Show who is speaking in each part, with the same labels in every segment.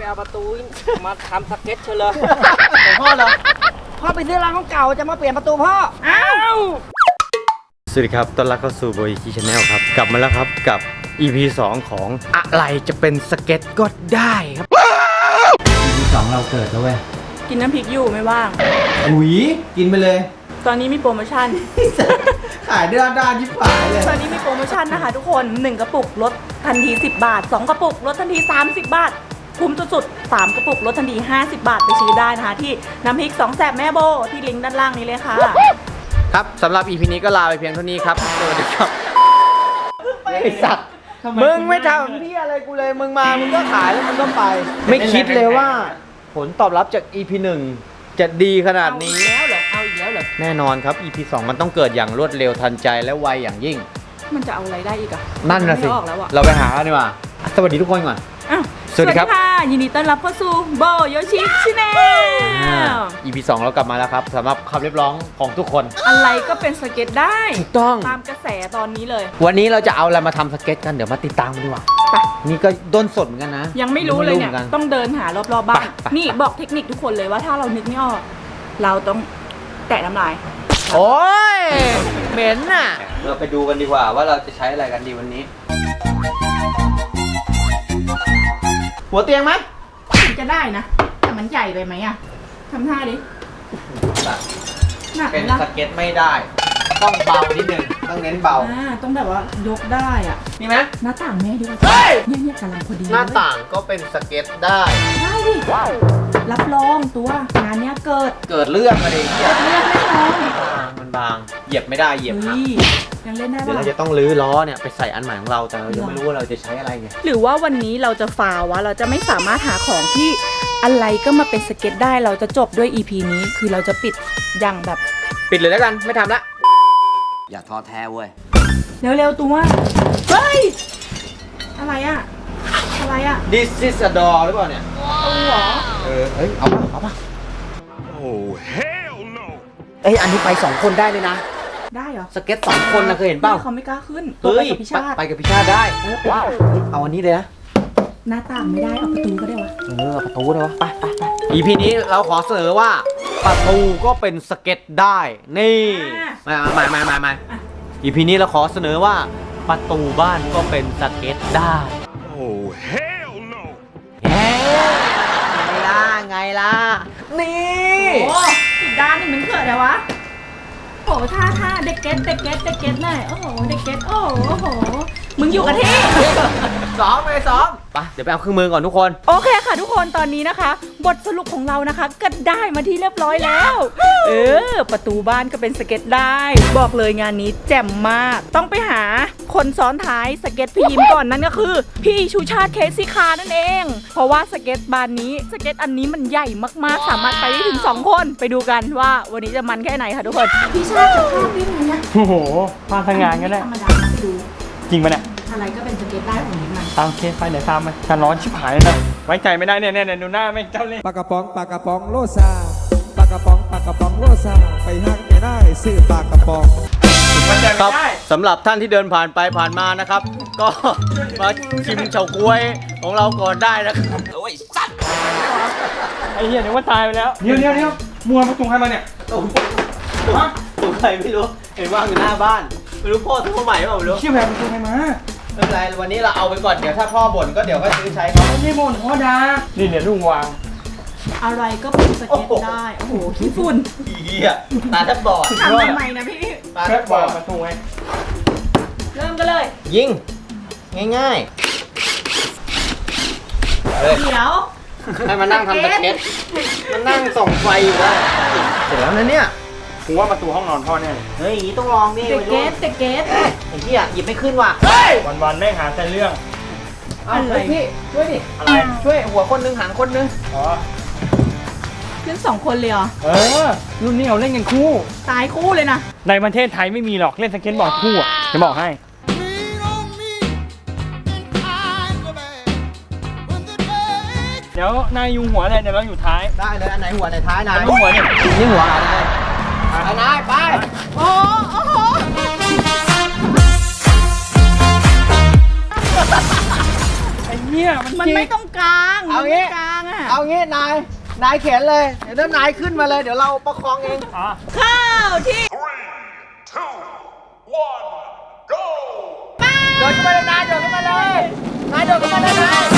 Speaker 1: เอาประตูมาทำสเก็ตเฉลย
Speaker 2: พ่อเหรอพ่อไปซื้อร้านของเก่าจะมาเปลี่ยนประตูพ่ออ้าว
Speaker 3: สวัสดีครับต้อนรับเข้าสู่โบยคีชาแนลครับกลับมาแล้วครับกับ EP 2 ของอะไรจะเป็นสเก็ตก็ได้ครับ EP 2 เราเกิดแล้วเว้ย
Speaker 4: กินน้ำพริกอยู่ไม่ว่าง
Speaker 3: อุ๋ยกินไปเลย
Speaker 4: ตอนนี้มีโปรโมชั่น
Speaker 3: ขายด้านยิบหายเลย
Speaker 4: ตอนนี้มีโปรโมชั่นนะคะทุกคน 1 กระปุกลดทันที10 บาท 2 กระปุกลดทันที30 บาท คุ้มสุดๆ3 กระปุกลดทันที50 บาทไปซื้อได้นะคะที่น้ำพริก2แสบแม่โบที่ลิงก์ด้านล่างนี้เลยค่ะ
Speaker 3: ครับสำหรับ EP นี้ก็ลาไปเพียงเท่านี้ครับสวัสดีครับไอสัตว์มึงไม่ทำพี่อะไรกูเลยมึงมามึงก็ขายแล้วมึงก็ไป ไม่คิดเลยว่า ผลตอบรับจาก EP 1 จะดีขนาดนี้
Speaker 4: เอาอีกแล้วเหรอ
Speaker 3: แน่นอนครับ EP 2 มันต้องเกิดอย่างรวดเร็วทันใจและไวอย่างยิ่ง
Speaker 4: มันจะเอาอะไรได้อีกอะ
Speaker 3: นั่นนะสิ
Speaker 4: ไม่ออกแล้วอะ
Speaker 3: เราไปหากันดีกว่าสวัสดีทุกคนก่อน
Speaker 4: อ้าว
Speaker 3: สวัสดีครับ
Speaker 4: ค่ะยินดีต้อนรับเข้าสู่โบโยชิชิแนล
Speaker 3: EP 2 เรากลับมาแล้วครับสำหรับคำเรียกร้องของทุกคน
Speaker 4: อะไรก็เป็นสเก็ตได้
Speaker 3: ถูกต้อง
Speaker 4: ตามกระแสตอนนี้เลย
Speaker 3: วันนี้เราจะเอาอะไรมาทำสเก็ตกันเดี๋ยวมาติดตามกันดีกว่า
Speaker 4: ไป
Speaker 3: นี่ก็ด้นสดเหมือนกันนะ
Speaker 4: ยังไม่รู้เลยเนี่ย
Speaker 3: หมือกั
Speaker 4: ต้องเดินหารอบๆบ้าน
Speaker 3: ไป
Speaker 4: นี่บอกเทคนิคทุกคนเลยว่าถ้าเรานึกไม่ออก เราต้องแตะน้ำลาย
Speaker 3: โอ้ยเหม็นน่ะเราไปดูกันดีกว่าว่าเราจะใช้อะไรกันดีวันนี้ หัวเตียงไหม
Speaker 4: มันจะได้นะ แต่มันใหญ่ไปไหมอะทำท่าดิหนัก
Speaker 3: เป็น
Speaker 4: ละ
Speaker 3: สเก็ตไม่ได้ ต้องเบานิดนึงต้องเน้นเบา
Speaker 4: ต้องแบบว่ายกได้อะ
Speaker 3: นี่ไหม
Speaker 4: หน้าต่างแม่ดีกว่า
Speaker 3: เฮ้ย
Speaker 4: เนี่ยกำลังพอดี
Speaker 3: หน้าต่างก็เป็นสเก็ตได้
Speaker 4: ได้ดิรับรองตัวงานเนี้ยเกิด
Speaker 3: เกิดเรื่องอะไรอย่างเงี้ย
Speaker 4: เลือกแน่นอน
Speaker 3: มันบางเหยียบไม่ได้เหยียบหัก
Speaker 4: เฮ้ยยังเล่นได้
Speaker 3: เดี๋ยว
Speaker 4: ปะ
Speaker 3: เราจะต้องรื้อล้อเนี่ยไปใส่อันใหม่ของเราแต่เรายังไม่รู้ว่าเราจะใช้อะไรไง
Speaker 4: หรือว่าวันนี้เราจะฟาวะเราจะไม่สามารถหาของที่อะไรก็มาเป็นสเก็ตได้เราจะจบด้วย EP นี้คือเราจะปิดอย่างแบบ
Speaker 3: ปิดเลยแล้วกันไม่ทำละ
Speaker 1: อย่าท้อแท้เว้ย
Speaker 4: เร็วๆตัวเฮ้ยอะไรอะอะไรอะ
Speaker 3: This is a door หรือเปล่าเนี่ย
Speaker 4: ตัวเหรอ
Speaker 3: เฮ้ยเอาป่ะ
Speaker 5: Oh, hell no!
Speaker 3: เอ้ยอันนี้ไป2คนได้เลยนะ
Speaker 4: ได้เหรอ
Speaker 3: สเก็ต2คนนะเคยเห็นเปล่า
Speaker 4: เขาไม่กล้าขึ้นตัว
Speaker 3: เฮ้
Speaker 4: ไป
Speaker 3: ย
Speaker 4: กับพิชาติ
Speaker 3: ไปกับพิชาติได้ว้าวเอาอันนี้เลยนะ
Speaker 4: หน้าต่างไม่ได้เอาประตูก็ได้วะ
Speaker 3: เอาประตูเลยวะไป EP นี้เราขอเสนอว่าประตูก็เป็นสเก็ตได้นี่มา EP นี้เราขอเสนอว่าประตูบ้านก็เป็นสเก็ตได้
Speaker 5: Oh, hell no!
Speaker 3: เฮ้ยไงล่ะนี่
Speaker 4: โอ้อีกด้านหนึ่งมันเกิดอะไรวะโอ้ท่าเด็กเก็ตหน่อยโอ้โหเด็กเก็ตโอ้โหมึงอยู่กับที่
Speaker 3: ซ้อมไปเดี๋ยวไปเอาเครื่องมือก่อนทุกคน
Speaker 4: โอเคค่ะทุกคนตอนนี้นะคะ บทสรุปของเรานะคะก็ได้มาที่เรียบร้อยแล้ว ประตูบ้านก็เป็นสเก็ตได้ บอกเลยงานนี้แจ่มมาก ต้องไปหาคนซ้อนท้ายสเก็ตพี่ยิ้มก่อนนั่นก็คือ พี่ชูชาติเคสซี่คาร์นั่นเอง เพราะว่าสเก็ตบานนี้สเก็ตอันนี้มันใหญ่มากๆสามารถไปได้ถึง2คนไปดูกันว่าวันนี้จะมันแค่ไหนค่ะทุกคนพี่ชาติจะข้ามวิ่งไหมนะ
Speaker 6: โอ้โหพาทางงานก็ได้
Speaker 4: ธรรมดาไปดู
Speaker 6: จริงปะเนี่ย
Speaker 4: อะไรก็เป็นสเก็ตได้ของนี้มัน
Speaker 6: ตามเคสไปเดี๋ยวตามไปฉันร้อนชิบหายเลยนะไว้ใจไม่ได้เนี่ยดูหน้าแม่งเจ้าเล่ห์
Speaker 7: ปากกระป๋องโลซาปากกระป๋องโลซาไปห้างไปได้ซื้อปากกระป๋อง
Speaker 6: ไว้ใจ
Speaker 3: ค
Speaker 6: ไม่
Speaker 3: รับ
Speaker 6: ได้
Speaker 3: สำหรับท่านที่เดินผ่านไปผ่านมานะครับ ก็มาชิมเฉาก๊วยของเราก่อนได้นะครับ
Speaker 6: ไอ้เหี้ยนึกว่าตายไปแล้วเดี๋ยวมัวประตูใครมาเนี่ย
Speaker 3: ถูกใครไม่รู้เห็นว่างอยู่หน้าบ้านไม่รู้พ่อซื้อมาใหม่เปล่าไม่รู้
Speaker 6: เชี่ยแพรประตูใครมา
Speaker 3: ไม่เป็นไรวันนี้เราเอาไปก่อนเดี๋ยวถ้าพ่อบ่นก็เดี๋ยวก็ซื้อใช้เขา
Speaker 6: ไม่ใช่โมนพ่อดานี่เนี่ยลุงวาง
Speaker 4: อะไรก็เป็นสเก็ตได้โอ้โหขี้ฝุ่น
Speaker 3: เหี้ยตาแทบบอด
Speaker 4: ทำทำไมนะพี่
Speaker 3: ตาแท
Speaker 6: แค่
Speaker 3: บบอ
Speaker 6: วาง
Speaker 3: ด
Speaker 6: ประตูไง
Speaker 4: เริ่มกันเลย
Speaker 3: ยิงง่ายๆเฮ้ย
Speaker 4: เดี๋ยว
Speaker 3: ให้มานั่งทำสเก็ตมันนั่งส่องไฟอยู่ได้เสร็จแล้วนะเนี่ย
Speaker 6: กูว่าประตูห้องนอนพ่อแน่เลย
Speaker 3: เฮ้ยต้องลองดิ
Speaker 4: เด็กเกตเด็กเกต
Speaker 3: ไอ้เหี้ยหยิบไม่ขึ้นว่ะ
Speaker 6: วันๆแม่งหาแต่เรื่อง
Speaker 3: เอาเฮ้ยพี่ช่วยดิ
Speaker 6: อะไร
Speaker 3: ช่วยหัวคนนึงหางคนนึง
Speaker 6: อ๋อ
Speaker 4: ขึ้น2 คนเลยเหรอ
Speaker 6: รุ่นนี้เราเล่นกันคู่
Speaker 4: ตายคู่เลยนะ
Speaker 6: ในประเทศไทยไม่มีหรอกเล่นสเก็ตบอร์ดคู่อ่ะจะบอกให้ เดี๋ยวนายยุงหัวเลยเดี๋ยวเราอยู่ท้าย
Speaker 3: ได้เลยอันไหนหัวไหนท้ายนาย
Speaker 6: อันนี้หัวเนี่ย
Speaker 3: นี่หัวนายไปนายไป
Speaker 4: โอ้โห
Speaker 6: ไอ้เหี้ย
Speaker 4: มันไม่ต้องกลาง
Speaker 3: เอา
Speaker 4: มัน
Speaker 3: งี้
Speaker 4: ไม่กลาง
Speaker 3: เอางี้นายเข็นเลย เดี๋ยวถ้านายขึ้นมาเลย เดี๋ยวเราประคองเอง
Speaker 4: ข้าวที่
Speaker 3: โดดขึ้นมาเลยนายโดดขึ้นมาเลยนายโดดขึ้นมาเลยนาย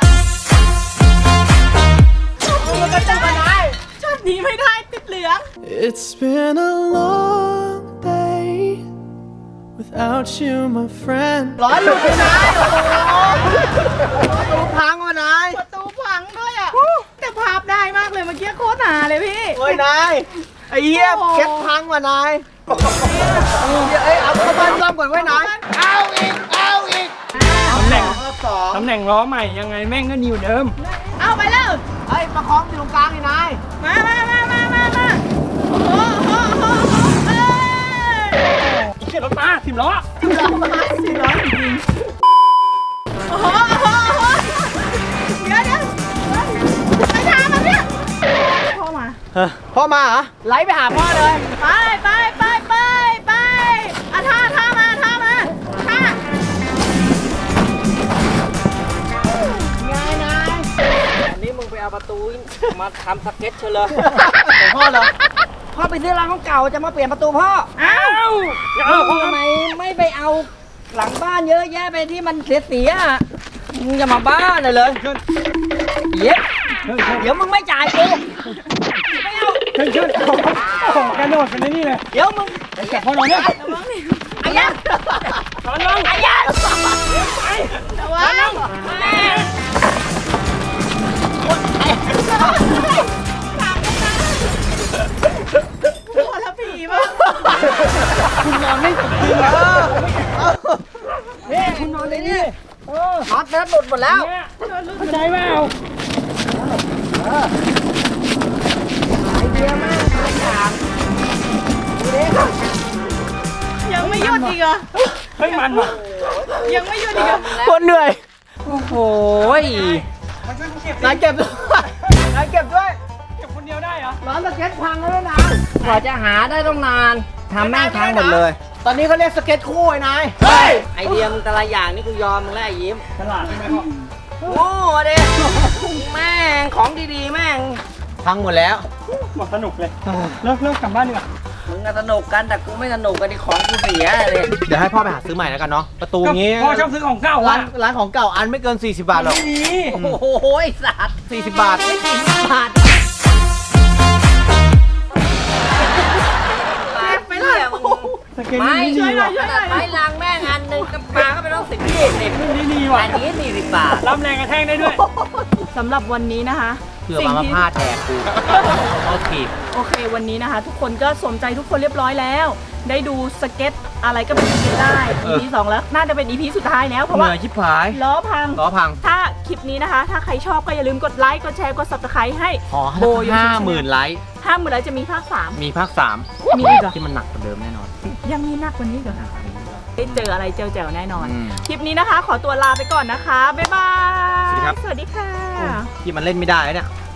Speaker 3: มันก็จะมานาย
Speaker 4: ช็อตนี้ไม่ได้ติดเหลือง
Speaker 8: It's been a long day without you, my friend.
Speaker 3: ร้อนหลุดเลยนายโอ้โหดูพังว่ะนาย
Speaker 4: ประตูพังด้วยอ่ะ แต่ภาพได้มากเลยเมื่อกี้โคตรหาเลยพี่
Speaker 3: เฮ้ยนายไอ้เหี้ย
Speaker 4: โอ้โห
Speaker 3: เก็บพังว่ะนายเอ้ยเอาเข้าบ้านซ่อมก่อนไว้นายเอาอีก
Speaker 6: ตำแหน่ง
Speaker 3: รอบสอง
Speaker 6: ตำแหน่งล้อใหม่ยังไงแม่งก็นิวเดิม
Speaker 4: เอาไปแล้ว
Speaker 3: เฮ้ยประคองอยู่ตรงกลางนี่นาย
Speaker 4: มาโอ้โหเอ้ย
Speaker 6: เขียนรถมา10 ล้อ
Speaker 4: 400จริงโอ้โหเดี๋ยวไปทางมันเนี่ยพ่อมา
Speaker 3: พ่อมาเหรอไล่ไปหาพ่อเลย
Speaker 4: ไปอ่ะท่ามาท่า
Speaker 3: ไงนาย
Speaker 1: อันนี้มึงไปเอาประตูมาทำสเก็ตเชยวเลย
Speaker 3: ของพ่อเหรอ
Speaker 2: พ่อไปซื้อร้านของเก่าจะมาเปลี่ยนประตูพ่อ
Speaker 6: อ้าวเอาพ่อ
Speaker 2: ทำไมไม่ไปเอาหลังบ้านเยอะแยะไปที่มันเสียๆอ่ะมึงจะมาบ้าเลยเย็บเดี๋ยวมึงไม่จ่ายกูไม่เอา
Speaker 6: ขึ้นโอ้โหกระโดดกันในนี่เลย
Speaker 2: เดี๋ยวมึง
Speaker 6: แต่พ่อเราเนี่ย
Speaker 2: ไอ้ยักษ์
Speaker 6: ตอนน้อง
Speaker 2: ไอ้ยักษ์
Speaker 4: ระวังพอแล้วผีมั้ง
Speaker 6: คุณนอนไม่สุดจริง
Speaker 2: นี่คุณนอนเลยนี่น็อตเนื้อหลุดหมดแล้ว
Speaker 6: เนี่ยเข้าใจเปล่า
Speaker 2: ไอเดียมากทุกอย่างดูดิ
Speaker 4: ยังไม่หยุดอีกเหรอ
Speaker 6: เฮ้ยมันว่ะ
Speaker 4: ยังไม่หยุดอีกเหรอ
Speaker 3: คนเหนื่อย
Speaker 2: โอ้โห
Speaker 3: นายเก็บด้วยนายเก็บด้วย
Speaker 6: เก็บคนเดียวได้เหรอ
Speaker 3: ร้านสเก็ตพังแล้วนะ
Speaker 2: กว่าจะหาได้ต้องนานทำแม่งพังหมดเลย
Speaker 3: ตอนนี้เขาเรียกสเก็ตคู่ไอ้นาย
Speaker 1: ไอเดียมึงแต่ละอย่างนี่กูยอมมึงแล้วไอ้ยิ้ม
Speaker 6: ฉลาดใช่ไหมพ่อ
Speaker 2: โง่ดิแม่งของดีๆแม่ง
Speaker 3: พังหมดแล้ว
Speaker 6: หมดสนุกเลยเลิกกลับบ้านดีกว่า
Speaker 2: มึงก็สนุกกันแต่กูไม่สนุกกันที่ของกูเสียเลย
Speaker 3: เดี๋ยวให้พ่อไปหาซื้อใหม่แล้วกันเนาะ ประตูงี้
Speaker 6: พ่อชอบซื้อของเก่า
Speaker 3: ร้า
Speaker 6: อ่ะ
Speaker 3: นของเก่าอันไม่เกิน 40 บาทหรอก
Speaker 6: ไม่ดี
Speaker 2: โอ้โหไอ้สัตว์
Speaker 3: 40 บาท
Speaker 2: บาท
Speaker 4: ไปเลย
Speaker 6: สเก็ต
Speaker 2: ไม่
Speaker 6: นี่
Speaker 2: ช่
Speaker 6: ดี
Speaker 2: วยหน่
Speaker 6: ว่ะ
Speaker 2: อยช่วยหน่อยไม้ลางแม่งอันหนึ่งกับปลาก็ไปต้อง10 20
Speaker 6: นี่ดีว่ะ
Speaker 2: อันนี้40 บาท
Speaker 6: รับแรงกระแทกได้ด้วย
Speaker 4: สำหรับวันนี้นะคะ
Speaker 3: เพื่อมาพาดแทกกูเอาถีบ
Speaker 4: โอเควันนี้นะคะ ทุกคนก็สมใจทุกคนเรียบร้อยแล้ว ได้ดูสเก็ตอะไรก็เป็นสเก็ตได้ EP 2 แล้วน่าจะเป็น EP สุดท้ายแล้วเพราะ
Speaker 3: เห
Speaker 4: ว่า
Speaker 3: นื่อยชิบหาย
Speaker 4: ล้อพัง
Speaker 3: ล้อพัง
Speaker 4: ถ้าคลิปนี้นะคะ ถ้าใครชอบก็อย่าลืมกดไลค์กดแชร์กด subscribe ให้
Speaker 3: ขอให้
Speaker 4: โบยู
Speaker 3: 50,000 ไลค์
Speaker 4: 50,000 ไลค์จะมีภาค
Speaker 3: มีภาค
Speaker 4: มีอีกเหรอ
Speaker 3: 3 ที่มันหนักกว่าเดิมแน่นอน
Speaker 4: ยังมีหนักกว่านี้อีกเหรอได้เจออะไรเจ๋วๆแน่นอน
Speaker 3: อืม
Speaker 4: คลิปนี้นะคะ ขอตัวลาไปก่อนนะคะ บ๊ายบาย
Speaker 3: สวัสดีครับ
Speaker 4: สวัสดีค่ะ
Speaker 3: ที่มันเล่นไม่ได้เนี่ย